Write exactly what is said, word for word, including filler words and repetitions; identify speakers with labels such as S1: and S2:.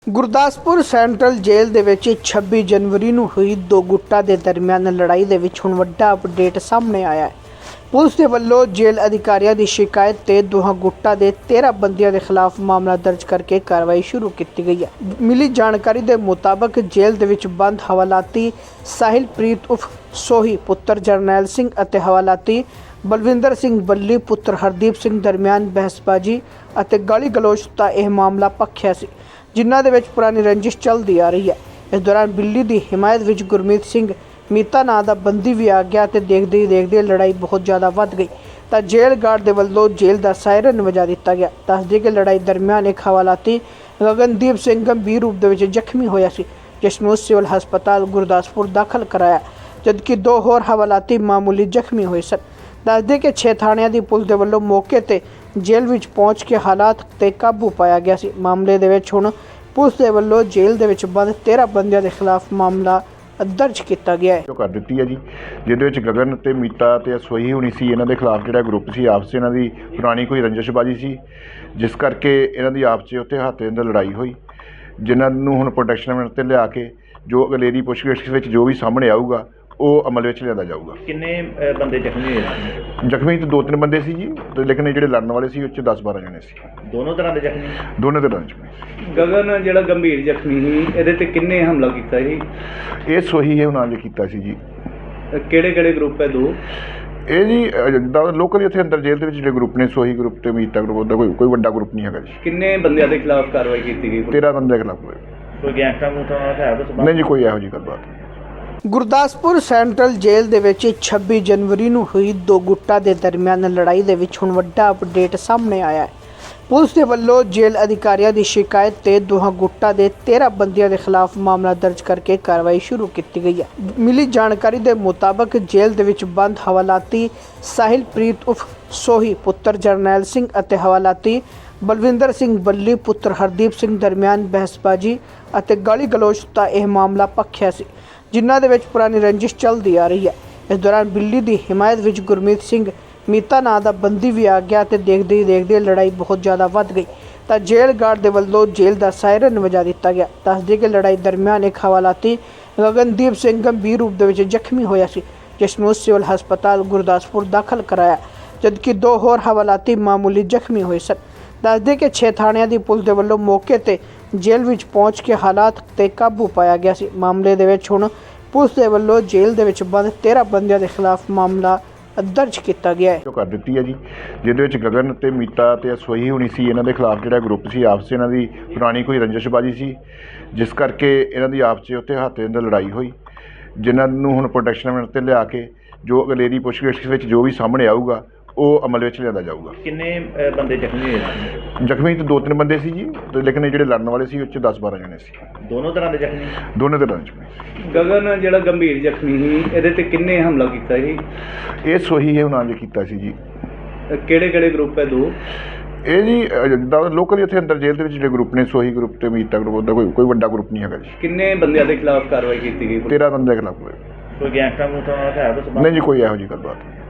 S1: Gurdaspur central ਜੇਲ੍ਹ ਦੇ ਵਿੱਚ ਛੱਬੀ ਜਨਵਰੀ ਨੂੰ ਹੋਈ ਦੋ ਗੁੱਟਾਂ ਦੇ ਦਰਮਿਆਨ ਲੜਾਈ ਦੇ ਵਿੱਚ ਹੁਣ ਵੱਡਾ ਅਪਡੇਟ ਸਾਹਮਣੇ ਆਇਆ ਹੈ। ਪੁਲਿਸ ਦੇ ਵੱਲੋਂ ਜੇਲ੍ਹ ਅਧਿਕਾਰੀਆਂ ਦੀ ਸ਼ਿਕਾਇਤ ਤੇ ਦੋਹਾਂ ਗੁੱਟਾਂ ਦੇ ਤੇਰਾਂ ਬੰਦਿਆਂ ਦੇ ਖਿਲਾਫ ਮਾਮਲਾ ਦਰਜ ਕਰਕੇ ਕਾਰਵਾਈ ਸ਼ੁਰੂ ਕੀਤੀ ਗਈ ਹੈ। ਮਿਲੀ ਜਾਣਕਾਰੀ ਦੇ ਮੁਤਾਬਕ ਜੇਲ੍ਹ ਦੇ ਵਿੱਚ ਬੰਦ ਹਵਾਲਾਤੀ ਸਾਹਿਲਪ੍ਰੀਤ ਉਫ ਸੋਹੀ ਪੁੱਤਰ ਜਰਨੈਲ ਸਿੰਘ ਅਤੇ ਹਵਾਲਾਤੀ ਬਲਵਿੰਦਰ ਸਿੰਘ ਬੱਲੀ ਪੁੱਤਰ ਹਰਦੀਪ ਸਿੰਘ ਦਰਮਿਆਨ ਬਹਿਸਬਾਜ਼ੀ ਅਤੇ ਗਾਲੀ ਗਲੋਚ ਦਾ ਇਹ ਮਾਮਲਾ ਭਖਿਆ ਸੀ, ਜਿਨ੍ਹਾਂ ਦੇ ਵਿੱਚ ਪੁਰਾਣੀ ਰੰਜਿਸ਼ ਚੱਲਦੀ ਆ ਰਹੀ ਹੈ। ਇਸ ਦੌਰਾਨ ਬਿੱਲੀ ਦੀ ਹਿਮਾਇਤ ਵਿੱਚ ਗੁਰਮੀਤ ਸਿੰਘ ਮੀਤਾ ਨਾਂ ਦਾ ਬੰਦੀ ਵੀ ਆ ਗਿਆ ਤੇ ਦੇਖਦੇ ਹੀ ਦੇਖਦੇ ਲੜਾਈ ਬਹੁਤ ਜ਼ਿਆਦਾ ਵੱਧ ਗਈ ਤਾਂ ਜੇਲ੍ਹ ਗਾਰਡ ਦੇ ਵੱਲੋਂ ਜੇਲ੍ਹ ਦਾ ਸਾਇਰਨ ਵਜਾ ਦਿੱਤਾ ਗਿਆ। ਦੱਸਦੇ ਕਿ ਲੜਾਈ ਦਰਮਿਆਨ ਇੱਕ ਹਵਾਲਾਤੀ ਗਗਨਦੀਪ ਸਿੰਘ ਗੰਭੀਰ ਰੂਪ ਦੇ ਵਿੱਚ ਜ਼ਖਮੀ ਹੋਇਆ ਸੀ, ਜਿਸ ਨੂੰ ਸਿਵਲ ਹਸਪਤਾਲ ਗੁਰਦਾਸਪੁਰ ਦਾਖਲ ਕਰਾਇਆ, ਜਦਕਿ ਦੋ ਹੋਰ ਹਵਾਲਾਤੀ ਮਾਮੂਲੀ ਜ਼ਖਮੀ ਹੋਏ ਸਨ। ਦੱਸਦੇ ਕਿ ਛੇ ਥਾਣਿਆਂ ਦੀ ਪੁਲਿਸ ਦੇ ਵੱਲੋਂ ਮੌਕੇ ਤੇ ਜੇਲ੍ਹ ਵਿੱਚ ਪਹੁੰਚ ਕੇ ਹਾਲਾਤ ਤੇ ਕਾਬੂ ਪਾਇਆ ਗਿਆ ਸੀ। ਮਾਮਲੇ ਦੇ ਵਿੱਚ ਹੁਣ ਪੁਲਿਸ ਦੇ ਵੱਲੋਂ ਜੇਲ੍ਹ ਦੇ ਵਿੱਚ ਬੰਦ ਤੇਰਾਂ ਬੰਦਿਆਂ ਦੇ ਖਿਲਾਫ ਮਾਮਲਾ ਦਰਜ ਕੀਤਾ ਗਿਆ ਹੈ।
S2: ਜੋ ਕਰ ਦਿੱਤੀ ਹੈ ਜੀ, ਜਿਹਦੇ ਵਿੱਚ ਗਗਨ ਤੇ ਮੀਤਾ ਤੇ ਸੋਹੀ ਹੋਣੀ ਸੀ, ਇਹਨਾਂ ਦੇ ਖਿਲਾਫ ਜਿਹੜਾ ਗਰੁੱਪ ਸੀ ਆਪਸ 'ਚ ਇਹਨਾਂ ਦੀ ਪੁਰਾਣੀ ਕੋਈ ਰੰਜਿਸ਼ਬਾਜੀ ਸੀ, ਜਿਸ ਕਰਕੇ ਇਹਨਾਂ ਦੀ ਆਪਸ 'ਚ ਉੱਥੇ ਹੱਥ ਦੇ ਅੰਦਰ ਲੜਾਈ ਹੋਈ, ਜਿਨ੍ਹਾਂ ਨੂੰ ਹੁਣ ਪ੍ਰੋਟੈਕਸ਼ਨ ਮਿੰਟ ਤੇ ਲਿਆ ਕੇ ਜੋ ਅਗਲੇਰੀ ਪੁੱਛਗਿੱਛ ਵਿੱਚ ਜੋ ਵੀ ਸਾਹਮਣੇ ਆਊਗਾ ਉਹ ਅਮਲ ਵਿੱਚ ਲਿਆਂਦਾ ਜਾਊਗਾ।
S3: ਕਿੰਨੇ ਅ, ਬੰਦੇ ਜ਼ਖਮੀ ਹੋਏ ਸੀ?
S2: ਜ਼ਖਮੀ ਤਾਂ ਦੋ ਤਿੰਨ ਬੰਦੇ ਸੀ ਜੀ, ਤੇ ਲੇਕਿਨ ਇਹ ਜਿਹੜੇ ਲੜਨ ਵਾਲੇ ਸੀ ਉਹ 'ਚ ਦਸ ਬਾਰਾਂ ਜਣੇ ਸੀ,
S3: ਦੋਨੋਂ ਤਰ੍ਹਾਂ ਦੇ ਜ਼ਖਮੀ?
S2: ਦੋਨੇ ਤਰ੍ਹਾਂ ਜ਼ਖਮੀ।
S4: ਗਗਨ ਜਿਹੜਾ ਗੰਭੀਰ ਜ਼ਖਮੀ ਸੀ, ਇਹਦੇ ਤੇ ਕਿੰਨੇ ਹਮਲਾ ਕੀਤਾ ਸੀ?
S2: ਇਹ ਸੋਹੀ ਹੈ ਉਹਨਾਂ ਨੇ ਕੀਤਾ ਸੀ ਜੀ।
S4: ਕਿਹੜੇ ਕਿਹੜੇ ਗਰੁੱਪ ਹੈ? ਦੋ
S2: ਇਹ ਜੀ ਅ, ਜਿੱਦਾਂ ਲੋਕਲ ਇੱਥੇ ਅੰਦਰ ਜੇਲ੍ਹ ਦੇ ਵਿੱਚ ਜਿਹੜੇ ਗਰੁੱਪ ਨੇ, ਸੋਹੀ ਗਰੁੱਪ ਤੇ ਮੀਤਾ ਗਰੁੱਪ, ਉਹਦਾ ਕੋਈ ਕੋਈ ਵੱਡਾ ਗਰੁੱਪ ਨਹੀਂ ਹੈਗਾ ਜੀ।
S4: ਕਿੰਨੇ ਬੰਦਿਆਂ ਦੇ ਖਿਲਾਫ ਕਾਰਵਾਈ ਕੀਤੀ ਗਈ?
S2: ਤੇਰਾਂ ਬੰਦੇ ਦੇ ਖਿਲਾਫ ਹੋਏ।
S3: ਕੋਈ ਗੈਂਗਸਟਰ ਮੂਟਰ ਨਾਲ ਹੈ ਕੁਛ?
S2: ਨਹੀਂ ਜੀ, ਕੋਈ ਇਹੋ ਜਿਹੀ ਗੱਲਬਾਤ ਨਹੀਂ।
S1: ਗੁਰਦਾਸਪੁਰ ਸੈਂਟਰਲ ਜੇਲ੍ਹ ਦੇ ਵਿੱਚ ਛੱਬੀ ਜਨਵਰੀ ਨੂੰ ਹੋਈ ਦੋ ਗੁੱਟਾਂ ਦੇ ਦਰਮਿਆਨ ਲੜਾਈ ਦੇ ਵਿੱਚ ਹੁਣ ਵੱਡਾ ਅਪਡੇਟ ਸਾਹਮਣੇ ਆਇਆ ਹੈ। ਪੁਲਿਸ ਦੇ ਵੱਲੋਂ ਜੇਲ੍ਹ ਅਧਿਕਾਰੀਆਂ ਦੀ ਸ਼ਿਕਾਇਤ ਤੇ ਦੋਹਾਂ ਗੁੱਟਾਂ ਦੇ ਤੇਰਾਂ ਬੰਦਿਆਂ ਦੇ ਖਿਲਾਫ ਮਾਮਲਾ ਦਰਜ ਕਰਕੇ ਕਾਰਵਾਈ ਸ਼ੁਰੂ ਕੀਤੀ ਗਈ ਹੈ। ਮਿਲੀ ਜਾਣਕਾਰੀ ਦੇ ਮੁਤਾਬਕ ਜੇਲ੍ਹ ਦੇ ਵਿੱਚ ਬੰਦ ਹਵਾਲਾਤੀ ਸਾਹਿਲਪ੍ਰੀਤ ਉਫ ਸੋਹੀ ਪੁੱਤਰ ਜਰਨੈਲ ਸਿੰਘ ਅਤੇ ਹਵਾਲਾਤੀ ਬਲਵਿੰਦਰ ਸਿੰਘ ਬੱਲੀ ਪੁੱਤਰ ਹਰਦੀਪ ਸਿੰਘ ਦਰਮਿਆਨ ਬਹਿਸਬਾਜ਼ੀ ਅਤੇ ਗਾਲੀ ਗਲੋਚ ਦਾ ਇਹ ਮਾਮਲਾ ਭਖਿਆ ਸੀ, ਜਿਨ੍ਹਾਂ ਦੇ ਵਿੱਚ ਪੁਰਾਣੀ ਰੰਜਿਸ਼ ਚੱਲਦੀ ਆ ਰਹੀ ਹੈ। ਇਸ ਦੌਰਾਨ ਬਿੱਲੀ ਦੀ ਹਿਮਾਇਤ ਵਿੱਚ ਗੁਰਮੀਤ ਸਿੰਘ ਮੀਤਾ ਨਾਂ ਦਾ ਬੰਦੀ ਵੀ ਆ ਗਿਆ ਤੇ ਦੇਖਦੇ ਹੀ ਦੇਖਦੇ ਲੜਾਈ ਬਹੁਤ ਜ਼ਿਆਦਾ ਵੱਧ ਗਈ ਤਾਂ ਜੇਲ੍ਹ ਗਾਰਡ ਦੇ ਵੱਲੋਂ ਜੇਲ੍ਹ ਦਾ ਸਾਇਰਨ ਵਜਾ ਦਿੱਤਾ ਗਿਆ। ਦੱਸਦੇ ਕਿ ਲੜਾਈ ਦਰਮਿਆਨ ਇੱਕ ਹਵਾਲਾਤੀ ਗਗਨਦੀਪ ਸਿੰਘ ਗੰਭੀਰ ਰੂਪ ਦੇ ਵਿੱਚ ਜ਼ਖਮੀ ਹੋਇਆ ਸੀ, ਜਿਸ ਨੂੰ ਸਿਵਲ ਹਸਪਤਾਲ ਗੁਰਦਾਸਪੁਰ ਦਾਖਲ ਕਰਾਇਆ, ਜਦਕਿ ਦੋ ਹੋਰ ਹਵਾਲਾਤੀ ਮਾਮੂਲੀ ਜ਼ਖਮੀ ਹੋਏ ਸਨ। ਦੱਸਦੇ ਕਿ ਛੇ ਥਾਣਿਆਂ ਦੀ ਪੁਲਿਸ ਦੇ ਵੱਲੋਂ ਮੌਕੇ ਤੇ ਜੇਲ੍ਹ ਵਿੱਚ ਪਹੁੰਚ ਕੇ ਹਾਲਾਤ ਤੇ ਕਾਬੂ ਪਾਇਆ ਗਿਆ ਸੀ। ਮਾਮਲੇ ਦੇ ਵਿੱਚ ਹੁਣ ਪੁਲਿਸ ਦੇ ਵੱਲੋਂ ਜੇਲ੍ਹ ਦੇ ਵਿੱਚ ਬੰਦ ਤੇਰਾਂ ਬੰਦਿਆਂ ਦੇ ਖਿਲਾਫ ਮਾਮਲਾ ਦਰਜ ਕੀਤਾ ਗਿਆ ਹੈ।
S2: ਜੋ ਕਰ ਦਿੱਤੀ ਹੈ ਜੀ, ਜਿਹਦੇ ਵਿੱਚ ਗਗਨ ਤੇ ਮੀਤਾ ਤੇ ਸੋਹੀ ਹੋਣੀ ਸੀ, ਇਹਨਾਂ ਦੇ ਖਿਲਾਫ ਜਿਹੜਾ ਗਰੁੱਪ ਸੀ ਆਪਸ 'ਚ ਇਹਨਾਂ ਦੀ ਪੁਰਾਣੀ ਕੋਈ ਰੰਜਿਸ਼ਬਾਜੀ ਸੀ, ਜਿਸ ਕਰਕੇ ਇਹਨਾਂ ਦੀ ਆਪਸ 'ਚ ਉੱਥੇ ਹੱਥ ਦੇ ਅੰਦਰ ਲੜਾਈ ਹੋਈ, ਜਿਨ੍ਹਾਂ ਨੂੰ ਹੁਣ ਪ੍ਰੋਟੈਕਸ਼ਨ ਮਿੰਟ ਤੇ ਲਿਆ ਕੇ ਜੋ ਅਗਲੇਰੀ ਪੁੱਛਗਿੱਛ ਵਿੱਚ ਜੋ ਵੀ ਸਾਹਮਣੇ ਆਊਗਾ ਉਹ ਅਮਲ ਵਿੱਚ ਲਿਆਂਦਾ ਜਾਊਗਾ।
S3: ਕਿੰਨੇ ਅ, ਬੰਦੇ ਜ਼ਖਮੀ ਹੋਏ ਸੀ?
S2: ਜ਼ਖਮੀ ਤਾਂ ਦੋ ਤਿੰਨ ਬੰਦੇ ਸੀ ਜੀ, ਤੇ ਲੇਕਿਨ ਇਹ ਜਿਹੜੇ ਲੜਨ ਵਾਲੇ ਸੀ ਉਹ 'ਚ ਦਸ ਬਾਰਾਂ ਜਣੇ ਸੀ,
S3: ਦੋਨੋਂ ਤਰ੍ਹਾਂ ਦੇ ਜ਼ਖਮੀ?
S2: ਦੋਨੇ ਤਰ੍ਹਾਂ ਜ਼ਖਮੀ।
S4: ਗਗਨ ਜਿਹੜਾ ਗੰਭੀਰ ਜ਼ਖਮੀ ਸੀ, ਇਹਦੇ ਤੇ ਕਿੰਨੇ ਹਮਲਾ ਕੀਤਾ ਸੀ?
S2: ਇਹ ਸੋਹੀ ਹੈ ਉਹਨਾਂ ਨੇ ਕੀਤਾ ਸੀ ਜੀ।
S4: ਕਿਹੜੇ ਕਿਹੜੇ ਗਰੁੱਪ ਹੈ? ਦੋ
S2: ਇਹ ਜੀ ਅ, ਜਿੱਦਾਂ ਲੋਕਲ ਇੱਥੇ ਅੰਦਰ ਜੇਲ੍ਹ ਦੇ ਵਿੱਚ ਜਿਹੜੇ ਗਰੁੱਪ ਨੇ, ਸੋਹੀ ਗਰੁੱਪ ਤੇ ਮੀਤਾ ਗਰੁੱਪ, ਉਹਦਾ ਕੋਈ ਕੋਈ ਵੱਡਾ ਗਰੁੱਪ ਨਹੀਂ ਹੈਗਾ ਜੀ।
S4: ਕਿੰਨੇ ਬੰਦਿਆਂ ਦੇ ਖਿਲਾਫ ਕਾਰਵਾਈ ਕੀਤੀ ਗਈ?
S2: ਤੇਰਾਂ ਬੰਦੇ ਦੇ ਖਿਲਾਫ ਹੋਏ।
S3: ਕੋਈ ਗੈਂਗਸਟਰ ਮੂਟਰ ਨਾਲ ਹੈ ਕੁਛ?
S2: ਨਹੀਂ ਜੀ, ਕੋਈ ਇਹੋ ਜਿਹੀ ਗੱਲਬਾਤ ਨਹੀਂ।